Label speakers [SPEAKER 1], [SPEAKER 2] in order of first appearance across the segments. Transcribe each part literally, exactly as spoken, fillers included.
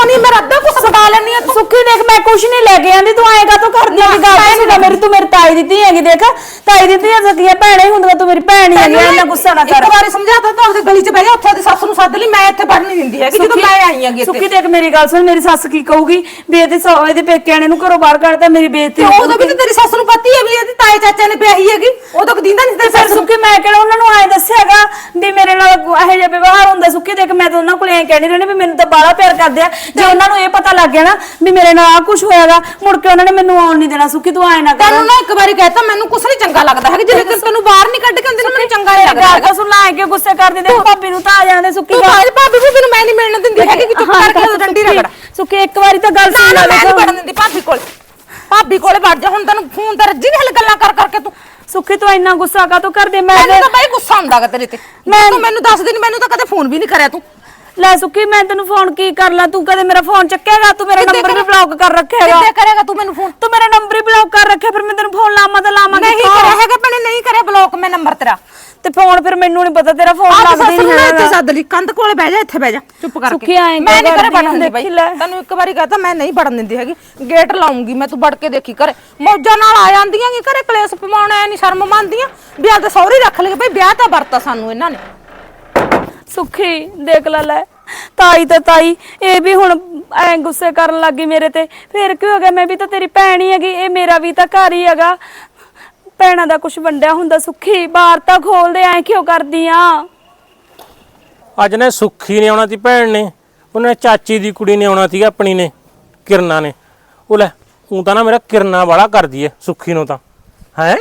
[SPEAKER 1] ਨਹੀਂ ਮੈਂ ਅੱਧਾ ਕੁਛ ਬਣਾ ਲੈਣੀ ਆ।
[SPEAKER 2] ਸੁੱਖੀ ਦੇਖ ਮੈਂ ਕੁਛ ਨਹੀਂ ਲੈ ਕੇ ਆਂਦੀ, ਤੂੰ ਆਏਗਾ ਤੂੰ ਕਰਦੀ ਦੀ ਗੱਲ ਸੁਣਦਾ ਮੇਰੀ, ਤੂੰ ਮੇਰੀ ਤਾਈ ਦਿੱਤੀ ਹੈਗੀ, ਦੇਖ ਤਾਈ ਦਿੱਤੀ ਹੈ ਸਕੀਆਂ ਭੈਣੇ ਹੁੰਦੀਆਂ, ਤੂੰ ਮੇਰੀ ਭੈਣ ਹੀ ਹੈਗੀ, ਇੰਨਾ ਗੁੱਸਾ ਨਾ ਕਰ।
[SPEAKER 1] ਇੱਕ ਵਾਰੀ ਸਮਝਾਤਾ ਤਾਂ ਉਹਦੇ ਗਲੀ 'ਚ ਬਹਿ ਜਾ, ਉੱਥੇ ਦੀ ਸੱਸ ਨੂੰ ਸੱਦ ਲਈ, ਮੈਂ ਇੱਥੇ ਵੜ ਨਹੀਂ ਦਿੰਦੀ ਹੈਗੀ ਜਦੋਂ ਮੈਂ ਆਈ ਆਂਗੀ।
[SPEAKER 2] ਸੁੱਖੀ ਦੇਖ ਮੇਰੀ ਗੱਲ ਸੁਣ, ਮੇਰੀ ਸੱਸ ਕੀ ਕਹੂਗੀ ਵੀ ਇਹਦੇ ਇਹਦੇ ਪੇਕਿਆਂ ਨੇ ਨੂੰ ਘਰੋਂ ਬਾਹਰ ਕੱਢਤਾ, ਮੇਰੀ ਬੇਇੱਜ਼ਤੀ
[SPEAKER 1] ਉਦੋਂ ਵੀ ਤੇਰੀ ਸੱਸ ਨੂੰ ਪਤਾ ਹੈ ਵੀ ਇਹਦੀ ਤਾਏ ਚਾਚੇ ਨੇ ਵਿਆਹੀ ਹੈਗੀ, ਉਦੋਂ ਕਦੀਂਦਾ ਨਹੀਂ ਤੇਰੀ ਸੱਸ।
[SPEAKER 2] ਸੁੱਖੀ ਮੈਂ ਕਿਹੜਾ ਉਹਨਾਂ ਨੂੰ ਆਏ ਦੱਸਿਆਗਾ ਵੀ ਮੇਰੇ ਨਾਲ ਇਹੋ ਜਿਹਾ ਵਿਵਹਾਰ ਹੁੰਦਾ। ਸੁੱਖੀ ਦੇਖ ਮੈਂ ਤਾਂ ਉਹਨਾਂ ਕੋਲ ਐਂ ਕਹਿਣੀ ਰਹਿਣੀ ਵੀ ਮੈਨੂੰ ਤਾਂ ਬਾਹਲਾ ਪਿਆਰ ਕਰਦੇ ਆ, ਜੇ ਉਹਨਾਂ ਨੂੰ ਇਹ ਪਤਾ ਲੱਗ ਗਿਆ ਨਾ ਵੀ ਮੇਰੇ ਨਾਲ ਆ ਕੁਝ ਹੋਇਆਗਾ, ਮੁੜ ਕੇ ਉਹਨਾਂ ਨੇ ਮੈਨੂੰ ਆਉਣ ਨਹੀਂ ਦੇਣਾ। ਸੁੱਖੀ ਤੂੰ ਆਏ ਨਾ ਕਰ।
[SPEAKER 1] ਤੈਨੂੰ ਨਾ ਇੱਕ ਵਾਰੀ ਕਹਿਤਾ ਮੈਨੂੰ ਕੁਛ ਨਹੀਂ ਚੰਗਾ ਲੱਗਦਾ ਹੈਗਾ, ਜੇ ਤੈਨੂੰ ਬਾਹਰ ਨਹੀਂ ਕੱਢ ਕੇ ਆਉਂਦੀ ਨਾ ਮੈਨੂੰ ਚੰਗਾ ਨਹੀਂ ਲੱਗਦਾ ਹੈਗਾ।
[SPEAKER 2] ਸੁਣ ਲੈ ਕੇ ਗੁੱਸੇ ਕਰਦੀ ਦੇਖ ਭਾਬੀ ਨੂੰ ਤਾਂ ਆ ਜਾਂਦੇ। ਸੁੱਕੀ
[SPEAKER 1] ਤੂੰ ਭਾਬੀ ਭਾਬੀ ਵੀ ਮੈਨੂੰ ਮੈਂ ਨਹੀਂ ਮਿਲਣ ਦਿੰਦੀ ਹੈਗੀ ਕਿ ਚੁੱਪ ਕਰਕੇ ਡੰਡੀ ਰਗੜ।
[SPEAKER 2] ਸੁੱਕੀ ਇੱਕ ਵਾਰੀ ਤਾਂ ਗੱਲ ਸੁਣ ਲੈ,
[SPEAKER 1] ਮੈਂ ਨਹੀਂ ਵੜਨ ਦਿੰਦੀ ਭਾਬੀ ਕੋਲ, ਭਾਬੀ ਕੋਲੇ ਵੜ ਜਾ। ਹੁਣ ਤੈਨੂੰ ਫੋਨ ਤੇ ਰੱਜੀ ਨਹੀਂ ਹਲ ਗੱਲਾਂ ਕਰ ਕਰਕੇ ਤੂੰ।
[SPEAKER 2] ਸੁੱਖੀ ਤੂੰ ਇੰਨਾ ਗੁੱਸਾ ਕਾ ਤੂੰ ਕਰਦੇ? ਮੈਂ
[SPEAKER 1] ਮੈਨੂੰ ਤਾਂ ਬਾਈ ਗੁੱਸਾ ਹੁੰਦਾਗਾ ਤੇਰੇ ਤੇ, ਮੈਂ ਤੂੰ ਮੈਨੂੰ ਦੱਸ ਦੇ ਨਹੀਂ, ਮੈਨੂੰ ਤਾਂ ਕਦੇ ਫੋਨ ਵੀ ਨਹੀਂ ਕਰਿਆ ਤੂੰ।
[SPEAKER 2] ਲੈ ਸੁੱਕੀ ਮੈਂ ਤੈਨੂੰ ਫੋਨ ਕੀ ਕਰ ਲਾਂ, ਤੂੰ ਕਦੇ ਮੇਰਾ ਫੋਨ ਚੱਕੇਗਾ? ਤੂੰ ਮੇਰਾ ਨੰਬਰ ਵੀ ਬਲੌਕ ਕਰ ਰੱਖਿਆ ਹੈਗਾ।
[SPEAKER 1] ਕਿੱਥੇ ਕਰੇਗਾ ਤੂੰ ਮੈਨੂੰ ਫੋਨ?
[SPEAKER 2] ਤੂੰ ਮੇਰਾ ਨੰਬਰ ਹੀ ਬਲੌਕ ਕਰ ਰੱਖਿਆ, ਫਿਰ ਮੈਂ ਤੈਨੂੰ ਫੋਨ ਲਾਵਾਂ ਤਾਂ ਲਾਵਾਂ
[SPEAKER 1] ਨਹੀਂ ਕਰਿਆ ਹੈਗਾ ਭੈਣੇ, ਨਹੀਂ ਕਰਿਆ ਬਲੌਕ ਮੈਂ ਨੰਬਰ ਤੇਰਾ।
[SPEAKER 2] ਤੇ ਫੋਨ ਫਿਰ ਮੈਨੂੰ ਨਹੀਂ ਪਤਾ ਤੇਰਾ ਫੋਨ ਲੱਗਦਾ ਨਹੀਂ ਹੈ।
[SPEAKER 1] ਇੱਥੇ ਸੱਦ ਲਈ, ਕੰਧ ਕੋਲੇ ਬਹਿ ਜਾ, ਇੱਥੇ ਬਹਿ ਜਾ ਚੁੱਪ ਕਰਕੇ।
[SPEAKER 2] ਸੁੱਖੀ ਆਏਂ
[SPEAKER 1] ਮੈਂ ਨਹੀਂ ਕਰੇ ਵੜਨ ਦਿੰਦੀ
[SPEAKER 2] ਦੇਖ
[SPEAKER 1] ਬਾਈ,
[SPEAKER 2] ਲੈ।
[SPEAKER 1] ਤੈਨੂੰ ਇੱਕ ਵਾਰੀ ਕਹਤਾ ਮੈਂ ਨਹੀਂ ਵੜਨ ਦਿੰਦੀ ਹੈਗੀ, ਗੇਟ ਲਾਉਂਗੀ ਮੈਂ, ਤੂੰ ਵੜ ਕੇ ਦੇਖੀ ਘਰੇ ਮੌਜਾਂ ਨਾਲ ਆ ਜਾਂਦੀਆਂ ਕਿ ਘਰੇ ਕਲੇਸ਼ ਪਵਾਉਣਾ ਨਹੀਂ ਸ਼ਰਮ ਮੰਨਦੀਆਂ ਵੀ ਆ ਤਾਂ ਸਹੁਰੇ ਰੱਖ ਲਏ ਬਈ, ਵਿਆਹ ਤਾਂ ਵਰਤਾ ਸਾਨੂੰ ਇਹਨਾਂ ਨੇ।
[SPEAKER 2] ਸੁੱਖੀ ਦੇਖ ਲੈ ਲੈ ਤਾਈ ਤੇ ਤਾਈ ਇਹ ਵੀ ਹੁਣ ਐ ਗੁੱਸੇ ਕਰਨ ਲੱਗੀ ਮੇਰੇ ਤੇ, ਫਿਰ ਕੀ ਹੋ ਗਿਆ? ਮੈਂ ਵੀ ਤਾਂ ਤੇਰੀ ਭੈਣ ਹੀ ਹੈਗੀ, ਇਹ ਮੇਰਾ ਵੀ ਤਾਂ ਘਰ ਹੀ ਹੈਗਾ, ਭੈਣਾਂ ਦਾ ਕੁਝ ਵੰਡਿਆ ਹੁੰਦਾ। ਸੁੱਖੀ ਬਾਹਰ ਤਾਂ ਖੋਲਦੇ, ਐ ਕਿਉਂ ਕਰਦੀ ਆ?
[SPEAKER 3] ਅੱਜ ਨੇ ਸੁੱਖੀ ਨੇ ਆਉਣਾ ਸੀ, ਭੈਣ ਨੇ, ਉਹਨੇ ਚਾਚੀ ਦੀ ਕੁੜੀ ਨੇ ਆਉਣਾ ਸੀ ਆਪਣੀ ਨੇ, ਕਿਰਨਾ ਨੇ। ਉਹ ਲੈ ਉਹ ਤਾਂ ਨਾ ਮੇਰਾ ਕਿਰਨਾ ਵਾਲਾ ਕਰਦੀ ਐ ਸੁੱਖੀ ਨੂੰ ਤਾਂ। ਹੈ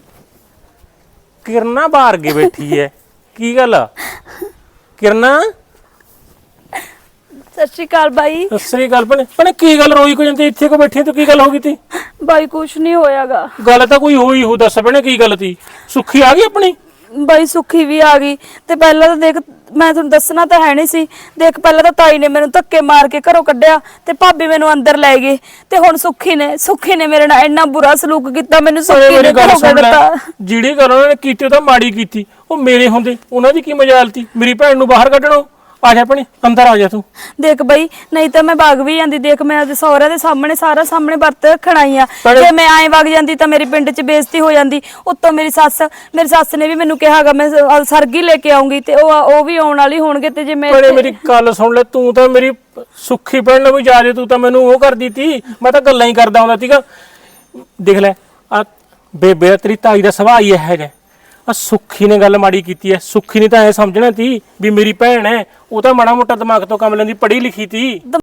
[SPEAKER 3] ਕਿਰਨਾ ਬਾਹਰ ਕੇ ਬੈਠੀ ਐ, ਕੀ ਗੱਲ ਕਿਰਨਾ?
[SPEAKER 2] ਸਤਿ ਸ਼੍ਰੀ ਅਕਾਲ ਬਾਈ।
[SPEAKER 3] ਸਤਿ ਸ੍ਰੀ ਅਕਾਲ ਭੈਣੇ। ਭੈਣੇ ਕੀ ਗੱਲ ਰੋਈ ਕੋ ਜਾਂਦੀ ਇੱਥੇ ਕੋ ਬੈਠੀ ਤੂੰ, ਕੀ ਗੱਲ ਹੋ ਗਈ ਤੀ?
[SPEAKER 2] ਬਾਈ ਕੁਛ ਨਹੀਂ ਹੋਇਆਗਾ।
[SPEAKER 3] ਗੱਲ ਤਾਂ ਕੋਈ ਹੋਈ ਹੋ, ਦੱਸ ਭੈਣੇ ਕੀ ਗੱਲ ਤੀ? ਸੁੱਖੀ ਆ ਗਈ ਆਪਣੀ?
[SPEAKER 2] ਬਾਈ ਸੁੱਖੀ ਵੀ ਆ ਗਈ, ਤੇ ਪਹਿਲਾਂ ਤਾਂ ਦੇਖ ਮੈਂ ਤੁਹਾਨੂੰ ਦੱਸਣਾ ਤਾਂ ਹੈ ਨਹੀਂ ਸੀ, ਦੇਖ ਪਹਿਲਾਂ ਤਾਂ ਤਾਈ ਨੇ ਮੈਨੂੰ ਧੱਕੇ ਮਾਰ ਕੇ ਘਰੋਂ ਕੱਢਿਆ, ਤੇ ਭਾਬੀ ਮੈਨੂੰ ਅੰਦਰ ਲੈ ਗਈ, ਤੇ ਹੁਣ ਸੁੱਖੀ ਨੇ ਸੁੱਖੀ ਨੇ ਮੇਰੇ ਨਾਲ ਇੰਨਾ ਬੁਰਾ ਸਲੂਕ ਕੀਤਾ, ਮੈਨੂੰ ਸੁੱਖੀ ਨੇ ਘਰੋਂ ਕੱਢਤਾ।
[SPEAKER 3] ਜਿਹੜੀ ਗੱਲ ਉਹਨਾਂ ਨੇ ਕੀਤੀ ਉਹ ਤਾਂ ਮਾੜੀ ਕੀਤੀ, ਉਹ ਮੇਰੇ ਹੁੰਦੇ ਉਹਨਾਂ ਦੀ ਕੀ ਮਜਾਲ ਤੀ ਮੇਰੀ ਭੈਣ ਨੂੰ ਬਾਹਰ ਕੱਢਣੋਂ? ਆ ਜਾ ਭੈਣੇ ਅੰਦਰ ਆ ਜਾ ਤੂੰ।
[SPEAKER 2] ਦੇਖ ਬਈ ਨਹੀਂ ਤਾਂ ਮੈਂ ਵਗ ਵੀ ਜਾਂਦੀ, ਦੇਖ ਮੈਂ ਉਹਦੇ ਸਹੁਰੇ ਦੇ ਸਾਹਮਣੇ ਸਾਰਾ ਸਾਹਮਣੇ ਵਰਤ ਰੱਖਣਾਈ ਆ, ਜੇ ਮੈਂ ਐਂ ਵਗ ਜਾਂਦੀ ਤਾਂ ਮੇਰੀ ਪਿੰਡ 'ਚ ਬੇਇੱਜ਼ਤੀ ਹੋ ਜਾਂਦੀ। ਉੱਤੋਂ ਮੇਰੀ ਸੱਸ ਮੇਰੀ ਸੱਸ ਨੇ ਵੀ ਮੈਨੂੰ ਕਿਹਾਗਾ ਮੈਂ ਸਰਗੀ ਲੈ ਕੇ ਆਉਂਗੀ, ਤੇ ਉਹ ਉਹ ਵੀ ਆਉਣ ਵਾਲੀ ਹੋਣਗੇ, ਤੇ ਜੇ ਮੈਂ
[SPEAKER 3] ਭੈਣੇ ਮੇਰੀ ਗੱਲ ਸੁਣ ਲੈ, ਤੂੰ ਤਾਂ ਮੇਰੀ ਸੁੱਖੀ ਭੈਣ ਨੂੰ ਵੀ ਜਾ ਜੇ, ਤੂੰ ਤਾਂ ਮੈਨੂੰ ਉਹ ਕਰਦੀ ਤੀ, ਮੈਂ ਤਾਂ ਗੱਲਾਂ ਹੀ ਕਰਦਾ ਹੁੰਦਾ ਸੀਗਾ। ਦੇਖ ਲੈ ਆ ਬੇਬੇ ਤੇਰੀ ਤਾਈ ਦਾ ਸੁਭਾਅ ਹੀ ਇਹੋ ਜਿਹਾ, ਆ ਸੁੱਖੀ ਨੇ ਗੱਲ ਮਾੜੀ ਕੀਤੀ ਐ। ਸੁੱਖੀ ਨੇ ਤਾਂ ਐ ਸਮਝਣਾ ਤੀ ਵੀ ਮੇਰੀ ਭੈਣ ਐ, ਉਹ ਤਾਂ ਮਾੜਾ ਮੋਟਾ ਦਿਮਾਗ ਤੋਂ ਕੰਮ ਲੈਂਦੀ, ਪੜ੍ਹੀ ਲਿਖੀ ਤੀ।